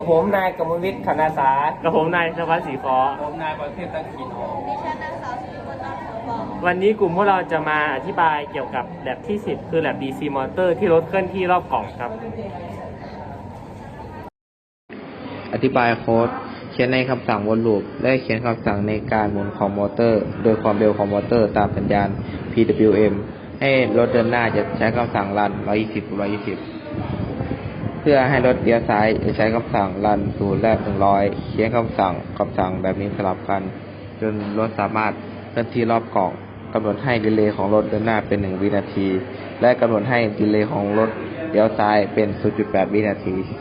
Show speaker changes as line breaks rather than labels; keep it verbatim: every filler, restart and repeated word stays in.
ผมนายกมลวิทย์คณาสา
กับผมนายชวัฒน์ศรีขอ
ผมนายประเทศตะขีนอง
ดิฉันนางสาวสิริวัลย์นามเถาบอก
วันนี้กลุ่มพวกเราจะมาอธิบายเกี่ยวกับแลบที่สิบคือแลบ ดี ซี Motor ที่รถเคลื่อนที่รอบกล่องครับ
อธิบายโค้ดเขียนในคำสั่งวนลูปและเขียนคำสั่งในการหมุนของมอเตอร์โดยความเร็วของมอเตอร์ตามสัญญาณ พี ดับเบิลยู เอ็ม ให้รถเดินหน้าจะใช้คำสั่งรันหนึ่งร้อยยี่สิบ หนึ่งร้อยยี่สิบเพื่อให้รถเลี้ยวซ้ายจะใช้คำสั่งรันศูนย์และหนึ่งร้อยเขียนคำสั่งคำสั่งแบบนี้สลับกันจนรถสามารถเคลื่อนที่รอบกล่องกำหนดให้ดีเลย์ของรถเดินหน้าเป็นหนึ่งวินาทีและกำหนดให้ดีเลย์ของรถเลี้ยวซ้ายเป็น ศูนย์จุดแปด วินาที